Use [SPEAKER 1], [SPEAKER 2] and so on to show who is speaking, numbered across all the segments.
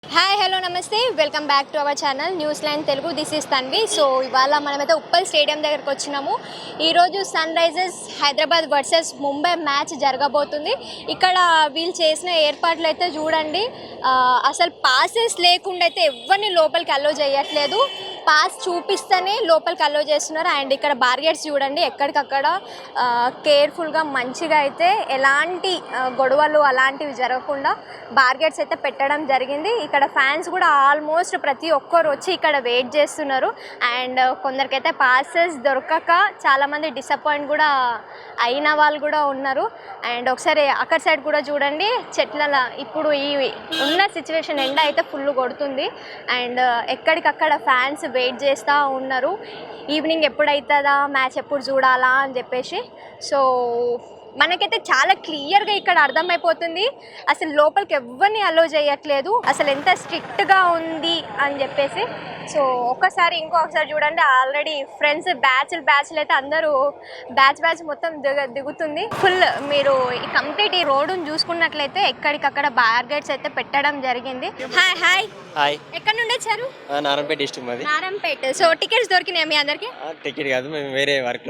[SPEAKER 1] Hi hello namaste welcome back to our channel news line Telugu. This is Tanvi. So ఇవాళ మనమైతే Uppal stadium దగ్గరకు వచ్చినాము. ఈరోజు Sunrisers Hyderabad versus Mumbai match జరగబోతుంది. ఇక్కడ వీళ్ళు చేసిన ఏర్పాట్లు అయితే చూడండి, అసలు పాసెస్ లేకుండా అయితే ఎవరిని లోపలికి అలో చేయట్లేదు. పాస్ చూపిస్తేనే లోపలికి అలో చేస్తున్నారు. అండ్ ఇక్కడ బార్గెట్స్ చూడండి, ఎక్కడికక్కడ కేర్ఫుల్గా మంచిగా అయితే ఎలాంటి గొడవలు అలాంటివి జరగకుండా బార్గెట్స్ అయితే పెట్టడం జరిగింది. ఇక్కడ ఫ్యాన్స్ కూడా ఆల్మోస్ట్ ప్రతి ఒక్కరు వచ్చి ఇక్కడ వెయిట్ చేస్తున్నారు. అండ్ కొందరికైతే పాసెస్ దొరకక చాలామంది డిసప్పాయింట్ కూడా అయిన వాళ్ళు కూడా ఉన్నారు. అండ్ ఒకసారి అక్కడ సైడ్ కూడా చూడండి, చెట్ల ఇప్పుడు ఈ ఉన్న సిచ్యువేషన్ ఎండ అయితే ఫుల్ కొడుతుంది. అండ్ ఎక్కడికక్కడ ఫ్యాన్స్ వెయిట్ చేస్తూ ఉన్నారు, ఈవినింగ్ ఎప్పుడైతుందా, మ్యాచ్ ఎప్పుడు చూడాలా అని చెప్పేసి. సో మనకైతే చాలా క్లియర్గా ఇక్కడ అర్థమైపోతుంది అసలు లోపలికి ఎవరిని అలో చేయట్లేదు, అసలు ఎంత స్ట్రిక్ట్గా ఉంది అని చెప్పేసి. సో ఇంకొకసారి చూడండి, ఆల్రెడీ ఫ్రెండ్స్ బ్యాచ్లు అయితే అందరూ బ్యాచ్ మొత్తం దిగుతుంది ఫుల్. మీరు ఈ కంప్లీట్ ఈ రోడ్డును చూసుకున్నట్లయితే ఎక్కడికక్కడ బార్గెట్స్ అయితే పెట్టడం జరిగింది. హాయ్ హాయ్ హాయ్, ఎక్కడ నుండి వచ్చారు?
[SPEAKER 2] నారాయణపేట డిస్ట్రిక్ట్ మాది.
[SPEAKER 1] నారాయణపేట. సో టికెట్స్ దొరికినాయి మీ అందరికి?
[SPEAKER 2] టికెట్ కాదు, మేము వేరే వర్క్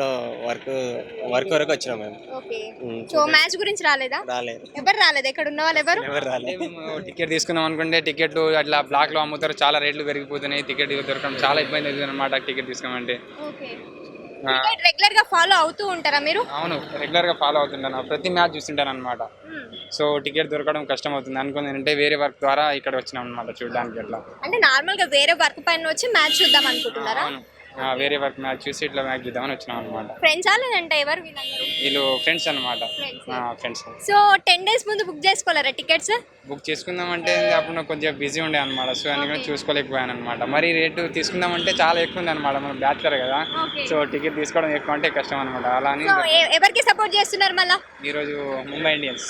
[SPEAKER 2] వరకు వచ్చినాం మేము.
[SPEAKER 1] ఓకే. సో మ్యాచ్ గురించి రాలేదా?
[SPEAKER 2] రాలేదు.
[SPEAKER 1] ఎవరు రాలేదు? ఎక్కడ ఉన్న వాళ్ళు ఎవరు
[SPEAKER 2] రాలేదు.
[SPEAKER 3] టికెట్ తీసుకుందాం అనుకుంటే టికెట్లు అట్లా బ్లాక్ లో అమ్ముతారు, చాలా రేట్లు పెరిగిపోతున్నాయి. టికెట్ దొరకడం చాలా ఇబ్బంది అవుతుంది అనమాట టికెట్ తీసుకోమంటే.
[SPEAKER 1] రెగ్యులర్ గా ఫాలో అవుతూ ఉంటారా మీరు?
[SPEAKER 3] అవును, రెగ్యులర్ గా ఫాలో అవుతుంటాను, ప్రతి మ్యాచ్ చూస్తుంటాను అనమాట. సో టికెట్ దొరకడం కష్టం అవుతుంది అనుకుంది అంటే వేరే వర్క్ ద్వారా ఇక్కడ వచ్చినాం అనమాట చూడడానికి. అట్లా
[SPEAKER 1] అంటే నార్మల్ గా వేరే వర్క్ పైన వచ్చి మ్యాచ్ చూద్దాం అనుకుంటున్నారా?
[SPEAKER 3] వేరే వర్క్ మ్యాచ్ చూసి ఇట్లా మ్యాచ్ చూద్దామని వచ్చినాం అనమాట.
[SPEAKER 1] ఫ్రెండ్స్ లేదంటే ఎవరు
[SPEAKER 3] వీళ్ళు ఫ్రెండ్స్ అనమాట. ఫ్రెండ్స్.
[SPEAKER 1] సో 10 days ముందు బుక్ చేసుకోలేరా టికెట్స్?
[SPEAKER 3] బుక్ చేసుకుందాం అంటే అప్పుడు నాకు కొంచెం బిజీ ఉండే అనమాట. సో అందుకని చూసుకోలేకపోయాను అనమాట. మరి రేటు తీసుకుందాం అంటే చాలా ఎక్కువ ఉంది అనమాట, మనం బ్యాచులర్ కదా. సో టికెట్ తీసుకోవడం ఎక్కువ అంటే కష్టం అనమాట. అలా అని
[SPEAKER 1] ఎవరికి సపోర్ట్ చేస్తున్నారు మళ్ళీ
[SPEAKER 3] ఈరోజు ముంబై ఇండియన్స్.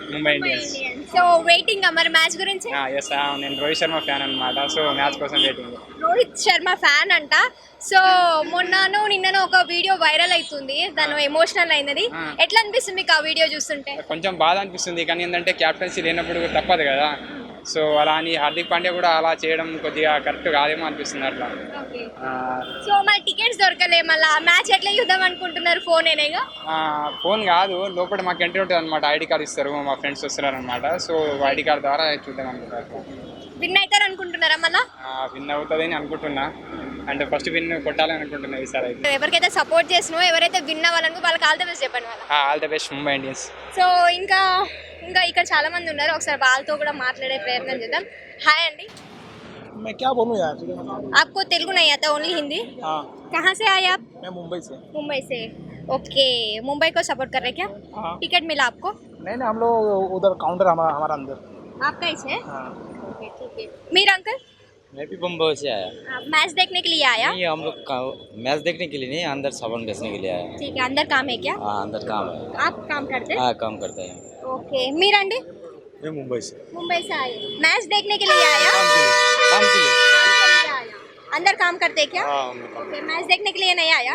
[SPEAKER 1] సో వెయిటింగ్ మరి మ్యాచ్ గురించి?
[SPEAKER 3] ఎస్, నేను రోహిత్ శర్మ ఫ్యాన్ అనమాట. సో మ్యాచ్ కోసం వెయిటింగ్.
[SPEAKER 1] రోహిత్ శర్మ ఫ్యాన్ అంట. సో నిన్ననో ఒక వీడియో వైరల్ అవుతుంది, దాని ఎమోషనల్ అయినది. ఎట్లా అనిపిస్తుంది మీకు ఆ వీడియో చూస్తుంటే?
[SPEAKER 3] కొంచెం బాధ అనిపిస్తుంది, కానీ ఏంటంటే క్యాప్టెన్సీ లేనప్పుడు తప్పదు కదా. సో అలా అని హార్దిక్ పాండ్యా కూడా అలా చేయడం కొద్దిగా కరెక్ట్ కాదేమో అనిపిస్తుంది అట్లా.
[SPEAKER 1] సో మరి టికెట్స్ దొరకలే, మళ్ళీ మ్యాచ్ ఎట్లా చూద్దాం అనుకుంటున్నారు?
[SPEAKER 3] ఫోన్ కాదు, లోపల మాకు ఎంట్రీ ఉంటుంది అనమాట. ఐడి కార్డ్ ఇస్తారు, మా ఫ్రెండ్స్ వస్తున్నారు అనమాట. సో ఐడి కార్డ్ ద్వారా చూద్దాం అనుకుంటారు.
[SPEAKER 1] విన్ అవుతారు అనుకుంటున్నారా? మళ్ళీ
[SPEAKER 3] విన్ అవుతుందని అనుకుంటున్నా, అంటే ఫస్ట్ విన్ కొట్టాలని అనుకుంటున్నా ఈసారి అయితే.
[SPEAKER 1] ఎవరికైతే సపోర్ట్ చేసినో, ఎవరైతే విన్ అవ్వాలనుకో వాళ్ళకి ఆల్ ద బెస్ట్ చెప్పండి.
[SPEAKER 3] All the best Mumbai Indians.
[SPEAKER 1] So ఇంకా ఇక్కడ చాలా మంది ఉన్నారు, ఒకసారి వాళ్ళతో కూడా మాట్లాడే ప్రయత్నం చేద్దాం. హాయ్ అండి.
[SPEAKER 2] मैं क्या बोलूं यार,
[SPEAKER 1] आपको तेलुगु नहीं आता, ओनली हिंदी?
[SPEAKER 2] हाँ.
[SPEAKER 1] कहाँ से आए आप?
[SPEAKER 2] मैं मुंबई से.
[SPEAKER 1] मुंबई से. ओके. मुंबई को सपोर्ट कर रहे क्या?
[SPEAKER 2] हाँ.
[SPEAKER 1] टिकट मिला आपको?
[SPEAKER 2] नहीं हम लोग उधर काउंटर हमारा अंदर.
[SPEAKER 1] आपका ही है?
[SPEAKER 2] हाँ.
[SPEAKER 1] ओके ठीक है. मेरा अंकल?
[SPEAKER 4] मैं भी मुंबई से आया.
[SPEAKER 1] मैच देखने के लिए आया?
[SPEAKER 4] नहीं, हम लोग मैच देखने के लिए नहीं, अंदर सामान बेचने के लिए आया.
[SPEAKER 1] ठीक है. अंदर काम है क्या?
[SPEAKER 4] हाँ, अंदर काम है.
[SPEAKER 1] आप काम करते हैं?
[SPEAKER 4] हाँ, काम करते हैं.
[SPEAKER 1] ओके. मेरा अंडी?
[SPEAKER 2] मैं मुंबई से.
[SPEAKER 1] मुंबई से आए. मैच देखने के लिए आया?
[SPEAKER 4] काम के लिए.
[SPEAKER 1] अंदर काम करते हैं क्या? ओके. मैच देखने के लिए नहीं आया?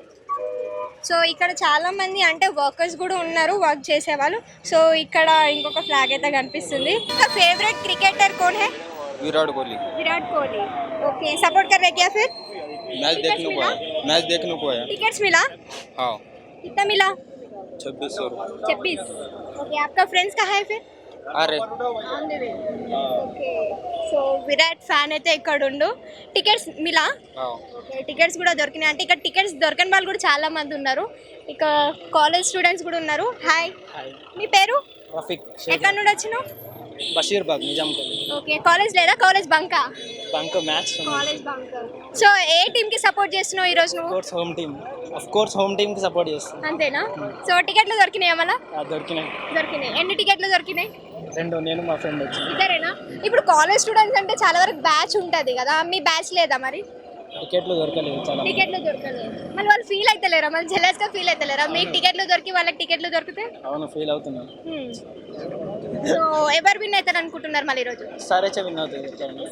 [SPEAKER 1] సో ఇక్కడ చాలా మంది అంటే వర్కర్స్ కూడా ఉన్నారు, వర్క్ చేసేవాళ్ళు. సో ఇక్కడ ఇంకొక ఫ్లాగ్ అయితే కనిపిస్తుంది. ఫేవరెట్ క్రికెటర్ कौन है?
[SPEAKER 4] विराट कोहली.
[SPEAKER 1] विराट कोहली. ओके. सपोर्ट कर रहे क्या फिर?
[SPEAKER 4] मैच देखने को आया.
[SPEAKER 1] टिकट्स मिला?
[SPEAKER 4] हाँ.
[SPEAKER 1] कितना मिला?
[SPEAKER 4] 2600.
[SPEAKER 1] 26. ओके. आपका फ्रेंड्स कहाँ है फिर?
[SPEAKER 4] अरे
[SPEAKER 1] ఓకే. సో విరాట్ ఫ్యాన్ అయితే ఇక్కడ ఉండు. టికెట్స్ మిలా? ఓకే. టికెట్స్ కూడా దొరికినాయి. అంటే ఇక్కడ టికెట్స్ దొరకని వాళ్ళు కూడా చాలా మంది ఉన్నారు. ఇక కాలేజ్ స్టూడెంట్స్ కూడా ఉన్నారు. హాయ్. మీ పేరు?
[SPEAKER 2] रफीक.
[SPEAKER 1] ఎక్కడ నుండి వచ్చినావు?
[SPEAKER 2] बशीरबाग निजामपुर.
[SPEAKER 1] ఓకే. కాలేజ్ లేదా? కాలేజ్ బంకా?
[SPEAKER 2] Bunk match.
[SPEAKER 1] College bunk. So ఏ టీమ్ కి సపోర్ట్ చేస్తున్నావు ఈ రోజు నువ్వు?
[SPEAKER 2] ऑफ कोर्स होम टीम की सपोर्ट చేస్తాను.
[SPEAKER 1] అంతేనా? సో టికెట్లు దొరికినాయా మళ్ళా?
[SPEAKER 2] దొరికినాయి.
[SPEAKER 1] ఎన్ని టికెట్లు దొరికినాయి?
[SPEAKER 2] 2. నేను మా ఫ్రెండ్ వచ్చి.
[SPEAKER 1] ఇద్దరేనా? ఇప్పుడు కాలేజ్ స్టూడెంట్స్ అంటే చాలా వరకు బ్యాచ్ ఉంటుంది కదా, మీ బ్యాచ్ లేదా మరి?
[SPEAKER 2] టికెట్లు దొరకలేదు చాలా.
[SPEAKER 1] టికెట్లు దొరకలేదు. మళ్ళీ వాళ్ళు ఫీల్ అవుతలేరా? మళ్ళీ జెలస్ గా ఫీల్ అవుతలేరా? మీకు టికెట్లు దొరికి వాళ్ళకి టికెట్లు దొరికితే?
[SPEAKER 2] అవును, ఫీల్ అవుతున్నాను.
[SPEAKER 1] సో ఎవరు విన్ అవుతారు అనుకుంటున్నారు మళ్ళీ ఈరోజు?
[SPEAKER 2] సరే విన్ అవుతుంది.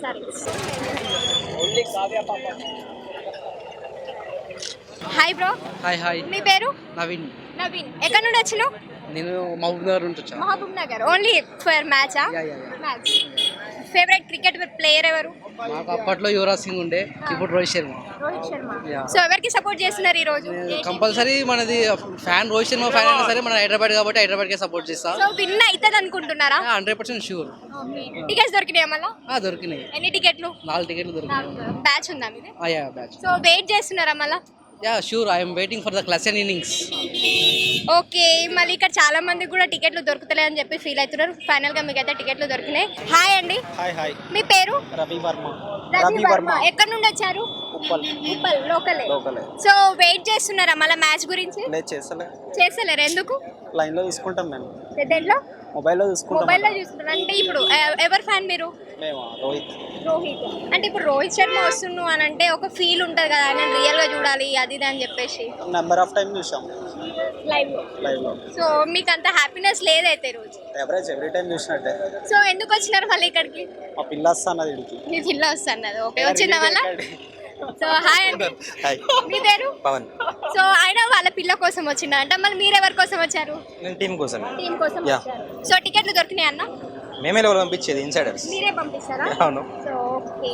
[SPEAKER 1] Hi bro.
[SPEAKER 5] హాయ్.
[SPEAKER 1] మీ పేరు?
[SPEAKER 5] నవీన్.
[SPEAKER 1] ఎక్కడ నుండి వచ్చినావు?
[SPEAKER 5] నేను మహబూబ్ నగర్ నుంచి వచ్చాను.
[SPEAKER 1] మహబూబ్ నగర్. ఓన్లీ ఫర్ మ్యాచా? మ్యాచ్. ఫేవరెట్ క్రికెట్ ప్లేయర్ ఎవరు?
[SPEAKER 5] మాకు అప్పట్లో యువరాజ్ సింగ్ ఉండే, ఇప్పుడు రోహిత్ శర్మ.
[SPEAKER 1] రోహిత్ శర్మ. సో ఎవరికి సపోర్ట్ చేస్తున్నారు ఈ రోజు?
[SPEAKER 5] కంపల్సరీ మనది ఫ్యాన్ రోహిత్ శర్మ ఫ్యాన్ అయినా సరే మన హైదరాబాద్ కాబట్టి హైదరాబాద్కే సపోర్ట్ చేస్తా.
[SPEAKER 1] సో విన్ అవుతుంది అనుకుంటున్నారా?
[SPEAKER 5] 100% షూర్.
[SPEAKER 1] టికెట్స్ దొరికినాయి మళ్ళా?
[SPEAKER 5] దొరికినాయి.
[SPEAKER 1] ఎన్ని టికెట్లు?
[SPEAKER 5] 4 టికెట్లు దొరికినాయి.
[SPEAKER 1] బ్యాచ్ ఉందా మీది?
[SPEAKER 5] బ్యాచ్.
[SPEAKER 1] సో వెయిట్ చేస్తున్నారా మళ్ళా?
[SPEAKER 5] Sure, I'm waiting for the Klaasen innings.
[SPEAKER 1] Okay, మళ్ళీ ఇక్కడ చాలా మంది కూడా టికెట్లు దొరుకుతలే అని చెప్పి ఫీల్ అవుతున్నారు. ఫైనల్ గా మీకు అయితే టికెట్లు దొరికినాయి. హాయ్ అండి.
[SPEAKER 6] హాయ్.
[SPEAKER 1] మీ పేరు?
[SPEAKER 6] రవి వర్మ.
[SPEAKER 1] రవి వర్మ. ఎక్కడ నుండి వచ్చారు? ఉప్పల్ లోకలే. సో వెయిట్ చేస్తున్నారా మళ్ళీ మ్యాచ్ గురించి?
[SPEAKER 6] లేదు,
[SPEAKER 1] చేస్తలేరు ఎందుకు?
[SPEAKER 6] లైన్ లో తీసుకుంటాం మేము.
[SPEAKER 1] దేంట్లో?
[SPEAKER 6] మొబైల్లో చూసుకుంటాం.
[SPEAKER 1] మొబైల్లో చూస్తున్నారు అంటే ఇప్పుడు ఎవరు ఫ్యాన్ మీరు?
[SPEAKER 6] రోహిత్.
[SPEAKER 1] అంటే ఇప్పుడు రోహిత్ శర్మ వస్తున్నావు అని అంటే ఒక ఫీల్ ఉంటుంది కదా, నేను రియల్ గా చూడాలి అది ఇది అని చెప్పేసి
[SPEAKER 6] నెంబర్ ఆఫ్ టైం చూసాం
[SPEAKER 1] లైవ్ లో. సో మీకు అంత హ్యాపీనెస్ లేదైతే రోజు?
[SPEAKER 6] ఎవరేజ్ ఎవ్రీ టైం చూసినట్టే.
[SPEAKER 1] సో ఎందుకు వచ్చినారు మళ్ళీ ఇక్కడికి?
[SPEAKER 6] మా పిల్ల వస్తున్నది ఇడికి.
[SPEAKER 1] మీ పిల్ల వస్తున్నది. ఓకే, వచ్చిన వల్ల. సో హాయ్ అండి.
[SPEAKER 2] హాయ్.
[SPEAKER 1] మీ పేరు?
[SPEAKER 2] పవన్.
[SPEAKER 1] సో ఆయన వాళ్ళ పిల్ల కోసం వచ్చిందంట, మళ్ళీ మీరు ఎవరి కోసం వచ్చారు?
[SPEAKER 2] నేను టీం కోసం.
[SPEAKER 1] టీం కోసం వచ్చారు. సో టికెట్లు దొరికినాయి అన్న?
[SPEAKER 2] మేమే ఎవరు పంపించేది, ఇన్సైడర్స్.
[SPEAKER 1] మీరే పంపిస్తారా?
[SPEAKER 2] అవును.
[SPEAKER 1] So okay.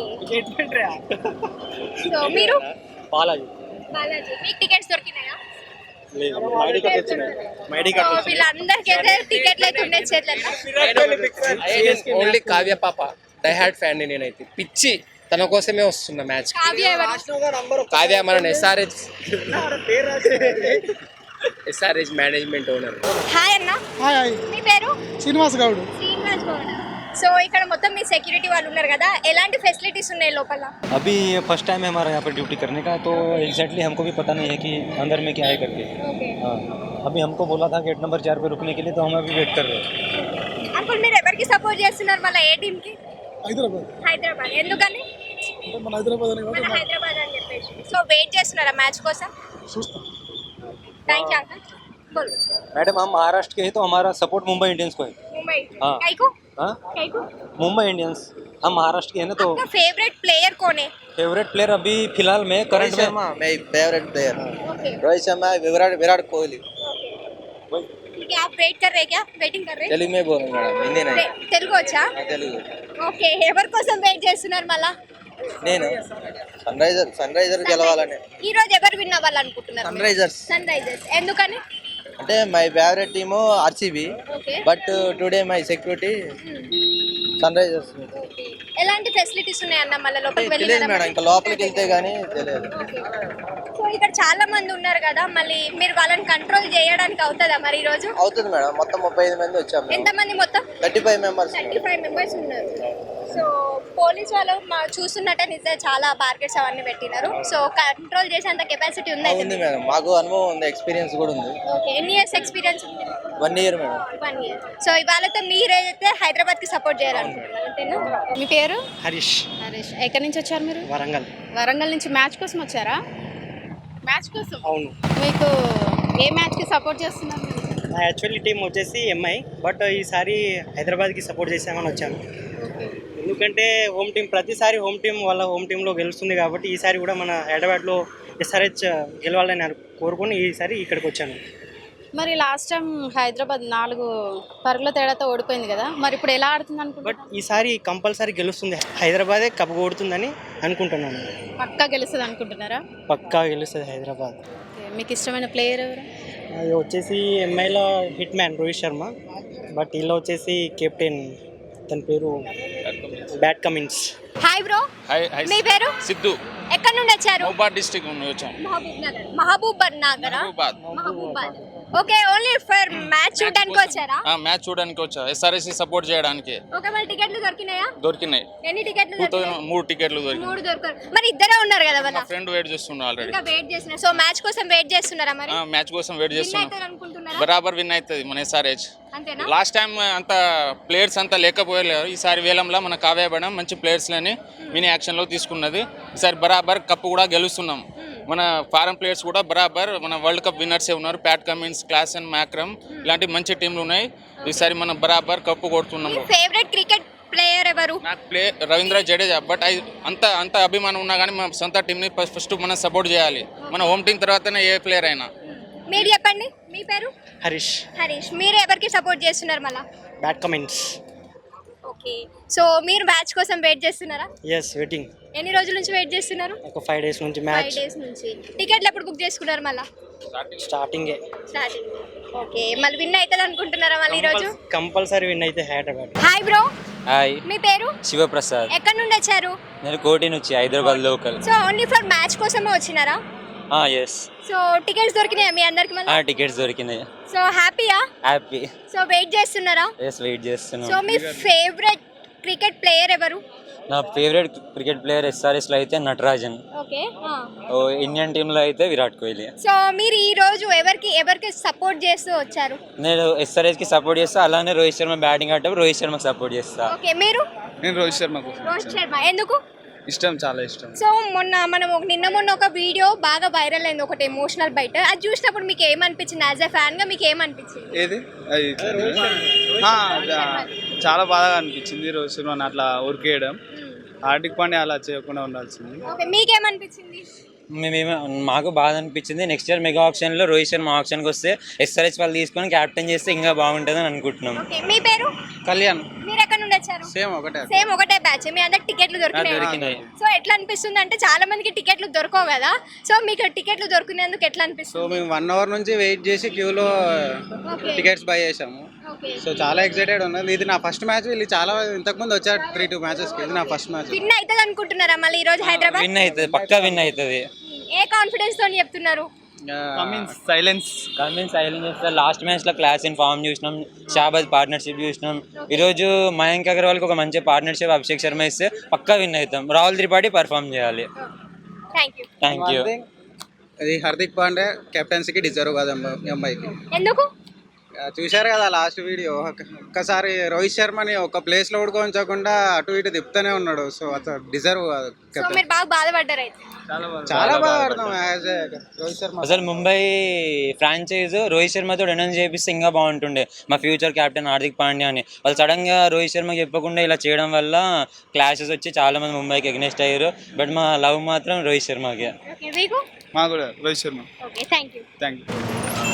[SPEAKER 1] సో మీరు?
[SPEAKER 6] బాలాజీ.
[SPEAKER 1] మీకు టికెట్స్ దొరికినాయా?
[SPEAKER 7] వీళ్ళందరికైతే టికెట్లు అయితే ఉన్నాయి చేతులలో.
[SPEAKER 8] ఓన్లీ కావ్య పాప డై హార్డ్ ఫ్యాన్ నేనైతే, పిచ్చి తన కోసమే వస్తున్నా మ్యాచ్. కావ్య మన ఎస్ఆర్హెచ్ మేనేజ్మెంట్ ఓనర్.
[SPEAKER 1] హాయ్ అన్న.
[SPEAKER 9] హాయ్.
[SPEAKER 1] మీ పేరు?
[SPEAKER 9] శ్రీనివాస్ గౌడ్.
[SPEAKER 1] శ్రీనివాస్ గౌడ్. సో ఇక్కడ మొత్తం మీ సెక్యూరిటీ వాళ్ళు ఉన్నారు కదా, ఎలాంటి ఫెసిలిటీస్ ఉన్నాయి లోపల?
[SPEAKER 10] अभी फर्स्ट टाइम है हमारा यहाँ पर ड्यूटी करने का, तो एग्जैक्टली हमको भी पता नहीं है कि अंदर में क्या है करके. हाँ, अभी हमको बोला था गेट नंबर 4 पे रुकने के लिए, तो हम अभी वेट कर रहे हैं.
[SPEAKER 1] అంకుల్ మీరు ఎవరికి సపోర్ట్ చేస్తున్నారు మళ్ళీ? ఏ టీమ్ కి? హైదరాబాద్. ఎందుకని?
[SPEAKER 9] మన హైదరాబాద్ అని
[SPEAKER 1] మన హైదరాబాద్ అని చెప్పేసి. సో వెయిట్ చేస్తున్నారా మ్యాచ్ కోసం?
[SPEAKER 9] చూస్తాం.
[SPEAKER 1] Thank you uncle. बोलो.
[SPEAKER 10] मैडम हम महाराष्ट्र के हैं, तो हमारा सपोर्ट मुंबई इंडियंस को है.
[SPEAKER 1] मुंबई?
[SPEAKER 10] हाँ.
[SPEAKER 1] काईको?
[SPEAKER 10] हाँ,
[SPEAKER 1] काईको?
[SPEAKER 10] मुंबई इंडियंस. हम महाराष्ट्र के हैं ना, तो
[SPEAKER 1] आपका फेवरेट प्लेयर कौन है?
[SPEAKER 10] फेवरेट प्लेयर अभी फिलहाल में करंट में
[SPEAKER 2] my favourite player
[SPEAKER 1] okay.
[SPEAKER 2] Rohit Sharma, Virat Kohli.
[SPEAKER 1] ठीक है, आप वेट कर रहे हैं क्या? वेटिंग कर रहे हैं?
[SPEAKER 2] తెలుగు మే బోల్ మేడం, హిందీ నై.
[SPEAKER 1] తెలుగు వచ్చా?
[SPEAKER 2] తెలుగు.
[SPEAKER 1] ఓకే, ఎవరి కోసం వెయిట్ చేస్తున్నారు మళ్ళా?
[SPEAKER 2] నేను సన్ రైజర్ గెలవాలని.
[SPEAKER 1] ఈ రోజు ఎవరు విన్ అవ్వాలనుకుంటున్నారు?
[SPEAKER 2] Sunrisers.
[SPEAKER 1] Sunrisers. ఎందుకని?
[SPEAKER 2] అంటే my favourite team RCB,
[SPEAKER 1] okay.
[SPEAKER 2] But today my security Sunrisers.
[SPEAKER 1] ఎలాంటి ఫెసిలిటీస్ ఉన్నాయన్న మళ్ళీ లోపలికి
[SPEAKER 2] తెలియదు మేడం,
[SPEAKER 1] వెళ్ళినారా?
[SPEAKER 2] ఇంకా లోపలికి వెళ్తే గానీ తెలియదు.
[SPEAKER 1] సో ఇక్కడ చాలా మంది ఉన్నారు కదా, మళ్ళీ మీరు వాళ్ళని కంట్రోల్ చేయడానికి అవుతుందా మరి ఈ రోజు?
[SPEAKER 2] అవుతుంది మేడం, మొత్తం 35 మంది వచ్చాము.
[SPEAKER 1] ఎంత మంది మొత్తం?
[SPEAKER 2] 35 మెంబర్స్.
[SPEAKER 1] 35 మెంబర్స్ ఉన్నారు. సో పోలీస్ వాళ్ళు చూస్తున్నట్టే నిజంగా చాలా బార్గెట్స్ అవన్నీ పెట్టినారు. సో కంట్రోల్ చేసేంత కెపాసిటీ ఉంది అయితే
[SPEAKER 2] ఉంది మేడం, మాకు అనుభవం ఉంది, ఎక్స్పీరియన్స్ కూడా ఉంది.
[SPEAKER 1] ఓకే, ఎన్ని ఇయర్స్ ఎక్స్పీరియన్స్ ఉంది?
[SPEAKER 2] 1 ఇయర్ మేడం.
[SPEAKER 1] 1 ఇయర్. సో ఇవాళతో మీరైతే హైదరాబాద్ కి సపోర్ట్ చేయాలనుకుంటున్నారు అంతేనా? మీ పేరు?
[SPEAKER 6] హరీష్.
[SPEAKER 1] హరీష్. ఎక్కడి నుంచి వచ్చారు మీరు?
[SPEAKER 6] వరంగల్.
[SPEAKER 1] వరంగల్ నుంచి మ్యాచ్ కోసం వచ్చారా? మ్యాచ్ కోసం?
[SPEAKER 6] అవును.
[SPEAKER 1] మీకు ఏ మ్యాచ్ కి సపోర్ట్ చేస్తున్నారు?
[SPEAKER 6] నా యాక్చువల్లీ టీం వచ్చేసి ఎంఐ, బట్ ఈసారి హైదరాబాద్కి సపోర్ట్ చేసామని వచ్చాను. ఎందుకంటే హోమ్ టీం ప్రతిసారి హోమ్ టీం వాళ్ళ హోమ్ టీంలో గెలుస్తుంది కాబట్టి ఈసారి కూడా మన హైదరాబాద్లో ఎస్ఆర్హెచ్ గెలవాలని కోరుకొని ఈసారి ఇక్కడికి వచ్చాను.
[SPEAKER 1] మరి లాస్ట్ టైం హైదరాబాద్ 4 పరుగుల తేడాతో ఓడిపోయింది కదా, మరి ఇప్పుడు ఎలా ఆడుతుంది అనుకుంటున్నారు?
[SPEAKER 6] బట్ ఈసారి కంపల్సరీ గెలుస్తుంది, హైదరాబాదే కప్పు కొడుతుందని అనుకుంటున్నాను.
[SPEAKER 1] పక్కా గెలుస్తుంది అనుకుంటున్నారా?
[SPEAKER 6] పక్కా గెలుస్తుంది హైదరాబాద్.
[SPEAKER 1] మీకు ఇష్టమైన ప్లేయర్ ఎవరు?
[SPEAKER 6] అది వచ్చేసి ఎంఐలో hit man Rohit Sharma, but వీళ్ళు వచ్చేసి కెప్టెన్, తన పేరు బ్యాట్ కమిన్స్.
[SPEAKER 1] Hi bro. మీ పేరు?
[SPEAKER 11] సిద్ధు.
[SPEAKER 1] ఎక్కడ నుండి వచ్చారు?
[SPEAKER 11] మహబూబాద్ డిస్ట్రిక్ట్ నుండి వచ్చాం.
[SPEAKER 1] Mahabubabad. Okay, only for match చూడడానికి వచ్చారా?
[SPEAKER 11] మ్యాచ్ చూడడానికి వచ్చా, ఎస్ఆర్ఎస్ సపోర్ట్ చేయడానికి.
[SPEAKER 1] ఓకే, మరి టికెట్లు దొరికినాయా?
[SPEAKER 11] దొరికినాయి.
[SPEAKER 1] ఎన్ని టికెట్లు?
[SPEAKER 11] 3 టికెట్లు దొరికినాయి.
[SPEAKER 1] 3 దొరికారు. మరి ఇద్దరే ఉన్నారు కదా
[SPEAKER 11] మా ఫ్రెండ్ వెయిట్ చేస్తున్నా ఆల్రెడీ.
[SPEAKER 1] ఇంకా వెయిట్ చేస్తున్నారు. సో మ్యాచ్ కోసం వెయిట్ చేస్తున్నారా మరి?
[SPEAKER 11] మ్యాచ్ కోసం వెయిట్ చేస్తున్నాం.
[SPEAKER 1] అనుకుంటున్నారా?
[SPEAKER 11] బరాబర్ విన్ అవుతుంది మన ఎస్ఆర్హెచ్.
[SPEAKER 1] అంతేనా?
[SPEAKER 11] లాస్ట్ టైం అంత ప్లేయర్స్ అంతా లేకపోయలేరు, ఈసారి వేలంలో మన కావ్య మేడం మంచి ప్లేయర్స్లని మినీ యాక్షన్లో తీసుకున్నది. ఈసారి బరాబర్ కప్పు కూడా గెలుస్తున్నాం. మన ఫారెన్ ప్లేయర్స్ కూడా బరాబర్ మన వరల్డ్ కప్ విన్నర్సే ఉన్నారు. ప్యాట్ కమిన్స్, క్లాసన్, మ్యాక్రమ్ ఇలాంటి మంచి టీంలు ఉన్నాయి. ఈసారి మనం బరాబర్ కప్పు కొడుతున్నాము.
[SPEAKER 1] ఫేవరెట్ క్రికెట్ ప్లేయర్ ఎవరు?
[SPEAKER 11] నాకు రవీంద్ర జడేజా, బట్ అంత అభిమానం ఉన్నా కానీ మన సొంత టీంని ఫస్ట్ మనం సపోర్ట్ చేయాలి. మన హోమ్ టీం తర్వాతనే ఏ ప్లేయర్ అయినా.
[SPEAKER 1] మీరు చెప్పండి, మీ పేరు?
[SPEAKER 6] హరీష్.
[SPEAKER 1] హరీష్. మీరు ఎవరికి సపోర్ట్ చేస్తున్నారు మళ్ళా?
[SPEAKER 6] Pat Cummins.
[SPEAKER 1] Okay. Okay, so మీరు మ్యాచ్ కోసం వెయిట్ చేస్తున్నారా?
[SPEAKER 6] Yes waiting.
[SPEAKER 1] ఎన్ని రోజుల నుంచి వెయిట్ చేస్తున్నారు?
[SPEAKER 6] ఒక 5 days నుంచి
[SPEAKER 1] 5
[SPEAKER 6] మ్యాచ్
[SPEAKER 1] days నుంచి. టికెట్లు ఎప్పుడు బుక్ చేసుకున్నారు మళ్ళీ?
[SPEAKER 6] స్టార్టింగే.
[SPEAKER 1] స్టార్టింగ్. ఓకే, మళ్ళీ విన్ అవుతుంది అనుకుంటున్నారా మళ్ళీ ఈరోజు?
[SPEAKER 6] కంపల్సరీ విన్ అయితే హైదరాబాద్.
[SPEAKER 1] హాయ్ బ్రో,
[SPEAKER 4] హాయ్,
[SPEAKER 1] మీ పేరు?
[SPEAKER 4] శివప్రసాద్.
[SPEAKER 1] ఎక్కడి నుండి వచ్చారు?
[SPEAKER 4] నేను కోటి నుంచి, Hyderabad local.
[SPEAKER 1] So only for match కోసమే వచ్చినారా?
[SPEAKER 4] ఎస్.
[SPEAKER 1] సో టికెట్స్ దొరికినాయా మీ అందరికి మళ్ళీ?
[SPEAKER 4] టికెట్స్ దొరికినాయి.
[SPEAKER 1] సో హ్యాపీయా?
[SPEAKER 4] హ్యాపీ.
[SPEAKER 1] సో వెయిట్ చేస్తున్నారా?
[SPEAKER 4] ఎస్, వెయిట్ చేస్తున్నాం.
[SPEAKER 1] సో మీ ఫేవరెట్ క్రికెట్ ప్లేయర్ ఎవరు?
[SPEAKER 4] నా ఫేవరెట్ క్రికెట్ ప్లేయర్ ఎస్ఆర్ఎస్లో అయితే నటరాజన్,
[SPEAKER 1] ఓకే.
[SPEAKER 4] ఇండియన్ టీంలో అయితే విరాట్ కోహ్లీ.
[SPEAKER 1] సో మీరు ఈ రోజు ఎవరికి సపోర్ట్ చేస్తూ వచ్చారు?
[SPEAKER 4] నేను ఎస్ఆర్ఎస్కి సపోర్ట్ చేస్తా, అలానే రోహిత్ శర్మ బ్యాటింగ్ ఆడేటప్పుడు రోహిత్ శర్మకి సపోర్ట్ చేస్తా.
[SPEAKER 1] ఓకే, మీరు?
[SPEAKER 3] నేను రోహిత్ శర్మకు
[SPEAKER 1] రోహిత్ శర్మ. ఎందుకు
[SPEAKER 3] ఇష్టం, చాలా ఇష్టం.
[SPEAKER 1] సో నిన్న ఒక వీడియో బాగా వైరల్ అయింది, ఒకటి ఎమోషనల్ బయట. అది చూసినప్పుడు మీకు ఏమనిపించింది? యాజ్ ఎ ఫ్యాన్ గా మీకు ఏమనిపించింది?
[SPEAKER 3] ఏది చాలా బాధగా అనిపించింది రోహిత్ శర్మని అట్లా ఉరికేయడం. హార్దిక్ పాండ్యా అలా చేయకుండా ఉండాల్సింది.
[SPEAKER 1] ఓకే, మీకేమనిపించింది?
[SPEAKER 4] మాకు బాధ అనిపించింది. నెక్స్ట్ ఇయర్ మెగా ఆప్షన్లో రోహిత్ శర్మ ఆప్షన్కి వస్తే ఎస్ఆర్హెచ్ వాళ్ళు తీసుకొని క్యాప్టెన్ చేస్తే ఇంకా బాగుంటుందని అనుకుంటున్నాం.
[SPEAKER 1] ఓకే, మీ పేరు?
[SPEAKER 3] కళ్యాణ్.
[SPEAKER 1] మీరు ఎక్కడ నుండి వచ్చారు? సేమ్ ఒకటే బ్యాచ్. మీ అందరికి టికెట్లు దొరికినాయి. సో ఎట్లా అనిపిస్తుంది అంటే చాలా మందికి టికెట్లు దొరకవు కదా, సో మీకు టికెట్లు దొరికినందుకు ఎట్లా అనిపిస్తుంది?
[SPEAKER 3] సో మేము 1 hour నుంచి వెయిట్ చేసి క్యూలో టికెట్స్ బై చేసాము. సో చాలా ఎక్సైటెడ్ ఉన్నది. ఇది నా ఫస్ట్ మ్యాచ్. వీళ్ళు చాలా ఇంతకుముందు వచ్చారు 3-2 matches. ఇది నా ఫస్ట్ మ్యాచ్.
[SPEAKER 1] విన్ అవుతుంది అనుకుంటున్నారా మళ్ళీ ఈ రోజు హైదరాబాద్?
[SPEAKER 4] విన్ అవుతుంది, పక్కా విన్ అవుతుంది.
[SPEAKER 1] ఏ కాన్ఫిడెన్స్ తో చెప్తున్నారు?
[SPEAKER 3] సైలెన్స్
[SPEAKER 4] చేస్తే లాస్ట్ మ్యాచ్ లో క్లాస్ ఇన్ ఫామ్ చూసినాం, షాబాజ్ పార్ట్నర్షిప్ చూసినాం. ఈరోజు మయాంక్ అగర్వాల్కి ఒక మంచి పార్ట్నర్షిప్ అభిషేక్ శర్మ ఇస్తే పక్కా విన్ అవుతాం. రాహుల్ త్రిపాఠి పర్ఫామ్ చేయాలి. Thank you.
[SPEAKER 3] అది హార్దిక్ పాండ్యా కెప్టెన్సీకి డిజర్వ్ కాదు అమ్మాయికి.
[SPEAKER 1] ఎందుకు?
[SPEAKER 3] చూశారు కదా లాస్ట్ వీడియో. ఒక్కసారి రోహిత్ శర్మని ఒక ప్లేస్ లో కూడా ఉంచకుండా అటు ఇటు తిప్పుతూనే ఉన్నాడు. సో అతను డిజర్వ్ కాదు.
[SPEAKER 1] సో మీరు బాగా బాధపడ్డారు అయితే?
[SPEAKER 3] చాలా బాధపడతాం యాజ్ రోహిత్ శర్మ.
[SPEAKER 4] అసలు ముంబై ఫ్రాంచైజ్ రోహిత్ శర్మతో అనౌన్స్ చేపిస్తే ఇంకా బాగుంటుండే, మా ఫ్యూచర్ కెప్టెన్ హార్దిక్ పాండ్యా అని. వాళ్ళు సడన్ గా రోహిత్ శర్మకి చెప్పకుండా ఇలా చేయడం వల్ల క్లాషెస్ వచ్చి చాలా మంది ముంబైకి ఎగ్నెస్ట్ అయ్యారు. బట్ మా లవ్ మాత్రం రోహిత్ శర్మకి.
[SPEAKER 1] ఓకే, మీకు?
[SPEAKER 3] మా కూడా Rohit Sharma.
[SPEAKER 1] Okay, thank you.